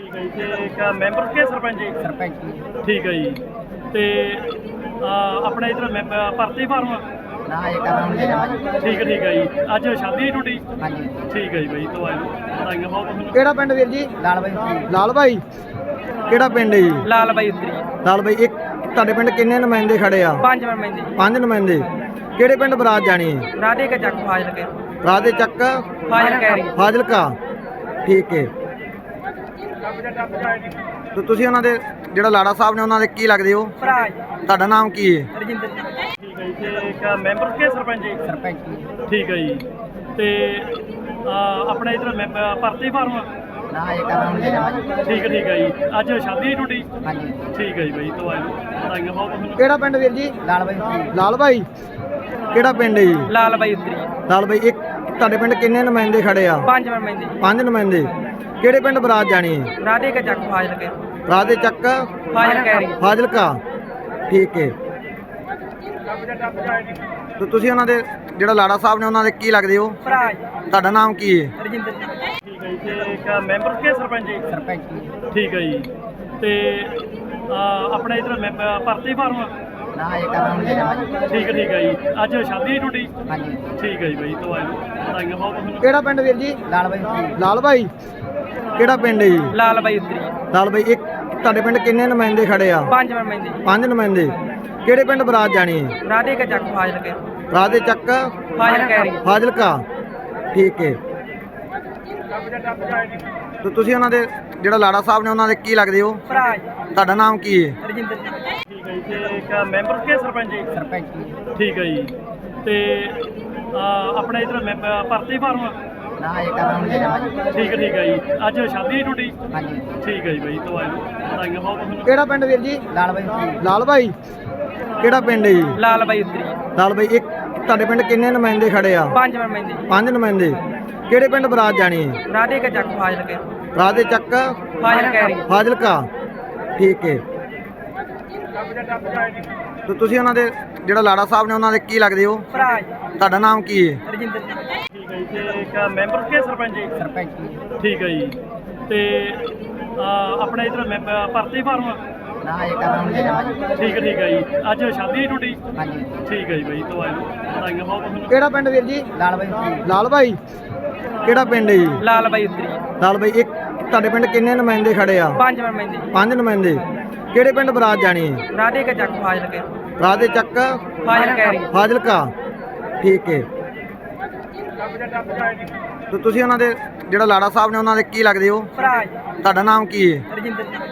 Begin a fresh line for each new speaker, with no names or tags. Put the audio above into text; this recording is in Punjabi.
ਠੀਕ ਹੈ ਜੀ। ਤੇ ਇੱਕ ਮੈਂਬਰ ਕੇ ਸਰਪੰਚ ਜੀ?
ਸਰਪੰਚ ਜੀ।
ਠੀਕ ਹੈ ਜੀ। ਤੇ ਆਪਣਾ ਇਧਰ ਭਰਤੀ ਫਾਰਮ?
ਨਾ ਇਹ ਕਰਾਉਣ ਦੇ ਜਾਵਾਂ ਜੀ।
ਠੀਕ ਹੈ ਜੀ। ਅੱਜ ਸ਼ਾਦੀ ਹੈ ਤੁਹਾਡੀ?
ਹਾਂਜੀ।
ਠੀਕ ਹੈ ਜੀ ਬਾਈ, ਤੋਂ ਵਧਾਈਆਂ ਬਹੁਤ ਤੁਹਾਨੂੰ।
ਕਿਹੜਾ ਪਿੰਡ ਵੀਰ ਜੀ?
ਲਾਲ ਬਾਈ।
ਲਾਲ ਬਾਈ ਕਿਹੜਾ ਪਿੰਡ ਹੈ ਜੀ?
ਲਾਲ ਬਾਈ ਉੱਤਰੀ।
ਲਾਲ ਬਾਈ ਇੱਕ ਤੁਹਾਡੇ ਪਿੰਡ ਕਿੰਨੇ ਨੁਮਾਇੰਦੇ ਖੜੇ ਆ?
5 ਨੁਮਾਇੰਦੇ।
5 ਨੁਮਾਇੰਦੇ। ਕਿਹੜੇ ਪਿੰਡ ਬਰਾਤ ਜਾਣੀ ਹੈ?
ਰਾਧੇ ਕੇ ਚੱਕ ਫਾਜ਼ਲ ਕੇ।
ਰਾਤ ਦੇ ਚੱਕ
ਫਾਜ਼ਲ ਕਹਿ ਰਹੀ।
ਫਾਜ਼ਿਲਕਾ। ਠੀਕ ਹੈ। ਤੇ ਤੁਸੀਂ ਉਹਨਾਂ ਦੇ ਜਿਹੜਾ ਲਾੜਾ ਸਾਹਿਬ ਨੇ ਉਹਨਾਂ ਦੇ ਕੀ ਲੱਗਦੇ ਹੋ?
ਭਰਾ ਜੀ।
ਤੁਹਾਡਾ ਨਾਮ ਕੀ ਹੈ?
ਰਜਿੰਦਰ ਜੀ।
ਠੀਕ ਹੈ ਜੀ। ਤੇ ਇੱਕ ਮੈਂਬਰ ਕੇ ਸਰਪੰਚ ਜੀ?
ਸਰਪੰਚ ਜੀ।
ਠੀਕ ਹੈ ਜੀ। ਤੇ ਆਪਣਾ ਇਧਰ ਭਰਤੀ ਫਾਰਮ?
ਨਾ ਇਹ ਕਰਾਉਣ ਦੇ ਜਾਵਾਂ ਜੀ।
ਠੀਕ ਹੈ ਜੀ। ਅੱਜ ਸ਼ਾਦੀ ਹੈ ਤੁਹਾਡੀ?
ਹਾਂਜੀ।
ਠੀਕ ਹੈ ਜੀ ਬਾਈ, ਤੋਂ ਵਧਾਈਆਂ ਬਹੁਤ ਤੁਹਾਨੂੰ।
ਕਿਹੜਾ ਪਿੰਡ ਵੀਰ ਜੀ?
ਲਾਲ ਬਾਈ।
ਲਾਲ ਬਾਈ ਕਿਹੜਾ ਪਿੰਡ ਹੈ ਜੀ?
ਲਾਲ ਬਾਈ ਉੱਤਰੀ।
ਲਾਲ ਬਾਈ ਇੱਕ ਤੁਹਾਡੇ ਪਿੰਡ ਕਿੰਨੇ ਨੁਮਾਇੰਦੇ ਖੜੇ ਆ?
5 ਨੁਮਾਇੰਦੇ।
5 ਨੁਮਾਇੰਦੇ। ਕਿਹੜੇ ਪਿੰਡ ਬਰਾਤ ਜਾਣੀ ਹੈ?
ਰਾਧੇ ਕੇ ਚੱਕ ਫਾਜ਼ਲ ਕੇ।
ਰਾਤ ਦੇ ਚੱਕ
ਫਾਜ਼ਲ ਕਹਿ ਰਹੀ।
ਫਾਜ਼ਿਲਕਾ। ਠੀਕ ਹੈ। ਤੇ ਤੁਸੀਂ ਉਹਨਾਂ ਦੇ ਜਿਹੜਾ ਲਾੜਾ ਸਾਹਿਬ ਨੇ ਉਹਨਾਂ ਦੇ ਕੀ ਲੱਗਦੇ ਹੋ?
ਭਰਾ ਜੀ।
ਤੁਹਾਡਾ ਨਾਮ ਕੀ ਹੈ?
ਰਜਿੰਦਰ ਜੀ।
ਠੀਕ ਹੈ ਜੀ। ਤੇ ਇੱਕ ਮੈਂਬਰ ਕੇ ਸਰਪੰਚ ਜੀ?
ਸਰਪੰਚ ਜੀ।
ਠੀਕ ਹੈ ਜੀ। ਤੇ ਆਪਣਾ ਇਧਰ ਭਰਤੀ ਫਾਰਮ?
ਨਾ ਇਹ ਕਰਾਉਣ ਦੇ ਜਾਵਾਂ ਜੀ।
ਠੀਕ ਹੈ ਜੀ। ਅੱਜ ਸ਼ਾਦੀ ਹੈ ਤੁਹਾਡੀ?
ਹਾਂਜੀ।
ਠੀਕ ਹੈ ਜੀ ਬਾਈ, ਤੋਂ ਵਧਾਈਆਂ ਬਹੁਤ ਤੁਹਾਨੂੰ।
ਕਿਹੜਾ ਪਿੰਡ ਵੀਰ ਜੀ?
ਲਾਲ ਬਾਈ।
ਲਾਲ ਬਾਈ ਕਿਹੜਾ ਪਿੰਡ ਹੈ ਜੀ?
ਲਾਲ ਬਾਈ ਉੱਤਰੀ।
ਲਾਲ ਬਾਈ ਇੱਕ ਤੁਹਾਡੇ ਪਿੰਡ ਕਿੰਨੇ ਨੁਮਾਇੰਦੇ ਖੜੇ ਆ?
5 ਨੁਮਾਇੰਦੇ।
5 ਨੁਮਾਇੰਦੇ। ਕਿਹੜੇ ਪਿੰਡ ਬਰਾਤ ਜਾਣੀ ਹੈ?
ਰਾਧੇ ਕੇ ਚੱਕ ਫਾਜ਼ਲ ਕੇ।
ਰਾਤ ਦੇ ਚੱਕ
ਫਾਜ਼ਲ ਕਹਿ ਰਹੀ।
ਫਾਜ਼ਿਲਕਾ। ਠੀਕ ਹੈ। ਤੇ ਤੁਸੀਂ ਉਹਨਾਂ ਦੇ ਜਿਹੜਾ ਲਾੜਾ ਸਾਹਿਬ ਨੇ ਉਹਨਾਂ ਦੇ ਕੀ ਲੱਗਦੇ ਹੋ?
ਭਰਾ ਜੀ।
ਤੁਹਾਡਾ ਨਾਮ ਕੀ ਹੈ?
ਰਜਿੰਦਰ ਜੀ।
ਠੀਕ ਹੈ ਜੀ। ਤੇ ਇੱਕ ਮੈਂਬਰ ਕੇ ਸਰਪੰਚ ਜੀ?
ਸਰਪੰਚ ਜੀ।
ਠੀਕ ਹੈ ਜੀ। ਤੇ ਆਪਣਾ ਇਧਰ ਭਰਤੀ ਫਾਰਮ?
ਨਾ ਇਹ ਕਰਾਉਣ ਦੇ ਜਾਵਾਂ ਜੀ।
ਠੀਕ ਹੈ ਜੀ। ਅੱਜ ਸ਼ਾਦੀ ਹੈ ਤੁਹਾਡੀ?
ਹਾਂਜੀ।
ਠੀਕ ਹੈ ਜੀ ਬਾਈ, ਤੋਂ ਵਧਾਈਆਂ ਬਹੁਤ ਤੁਹਾਨੂੰ।
ਕਿਹੜਾ ਪਿੰਡ ਵੀਰ ਜੀ?
ਲਾਲ ਬਾਈ।
ਲਾਲ ਬਾਈ ਕਿਹੜਾ ਪਿੰਡ ਹੈ ਜੀ?
ਲਾਲ ਬਾਈ ਉੱਤਰੀ।
ਲਾਲ ਬਾਈ ਇੱਕ ਤੁਹਾਡੇ ਪਿੰਡ ਕਿੰਨੇ ਨੁਮਾਇੰਦੇ ਖੜੇ ਆ?
5 ਨੁਮਾਇੰਦੇ।
5 ਨੁਮਾਇੰਦੇ। ਕਿਹੜੇ ਪਿੰਡ ਬਰਾਤ ਜਾਣੀ ਹੈ?
ਰਾਧੇ ਕੇ ਚੱਕ ਫਾਜ਼ਲ ਕੇ।
ਰਾਤ ਦੇ ਚੱਕ
ਫਾਜ਼ਲ ਕਹਿ ਰਹੀ।
ਫਾਜ਼ਿਲਕਾ। ਠੀਕ ਹੈ। ਤੇ ਤੁਸੀਂ ਉਹਨਾਂ ਦੇ ਜਿਹੜਾ ਲਾੜਾ ਸਾਹਿਬ ਨੇ ਉਹਨਾਂ ਦੇ ਕੀ ਲੱਗਦੇ ਹੋ?
ਭਰਾ ਜੀ।
ਤੁਹਾਡਾ ਨਾਮ ਕੀ ਹੈ?
ਰਜਿੰਦਰ ਜੀ।
ਠੀਕ ਹੈ ਜੀ। ਤੇ ਇੱਕ ਮੈਂਬਰ ਕੇ ਸਰਪੰਚ ਜੀ?
ਸਰਪੰਚ ਜੀ।
ਠੀਕ ਹੈ ਜੀ। ਤੇ ਆਪਣਾ ਇਧਰ ਭਰਤੀ ਫਾਰਮ?
ਨਾ ਇਹ ਕਰਾਉਣ ਦੇ ਜਾਵਾਂ ਜੀ।
ਠੀਕ ਹੈ ਜੀ। ਅੱਜ ਸ਼ਾਦੀ ਹੈ ਤੁਹਾਡੀ?
ਹਾਂਜੀ।
ਠੀਕ ਹੈ ਜੀ ਬਾਈ, ਤੋਂ ਵਧਾਈਆਂ ਬਹੁਤ ਤੁਹਾਨੂੰ।
ਕਿਹੜਾ ਪਿੰਡ ਵੀਰ ਜੀ?
ਲਾਲ ਬਾਈ।
ਲਾਲ ਬਾਈ ਕਿਹੜਾ ਪਿੰਡ ਹੈ ਜੀ?
ਲਾਲ ਬਾਈ ਉੱਤਰੀ।
ਲਾਲ ਬਾਈ ਇੱਕ ਤੁਹਾਡੇ ਪਿੰਡ ਕਿੰਨੇ ਨੁਮਾਇੰਦੇ ਖੜੇ ਆ?
5 ਨੁਮਾਇੰਦੇ।
5 ਨੁਮਾਇੰਦੇ। ਕਿਹੜੇ ਪਿੰਡ ਬਰਾਤ ਜਾਣੀ ਹੈ?
ਰਾਧੇ ਕੇ ਚੱਕ ਫਾਜ਼ਲ ਕੇ।
ਰਾਤ ਦੇ ਚੱਕ
ਫਾਜ਼ਲ ਕਹਿ ਰਹੀ।
ਫਾਜ਼ਿਲਕਾ। ਠੀਕ ਹੈ। ਤੇ ਤੁਸੀਂ ਉਹਨਾਂ ਦੇ ਜਿਹੜਾ ਲਾੜਾ ਸਾਹਿਬ ਨੇ ਉਹਨਾਂ ਦੇ ਕੀ ਲੱਗਦੇ ਹੋ?
ਭਰਾ ਜੀ।
ਤੁਹਾਡਾ ਨਾਮ ਕੀ ਹੈ?
ਰਜਿੰਦਰ ਜੀ।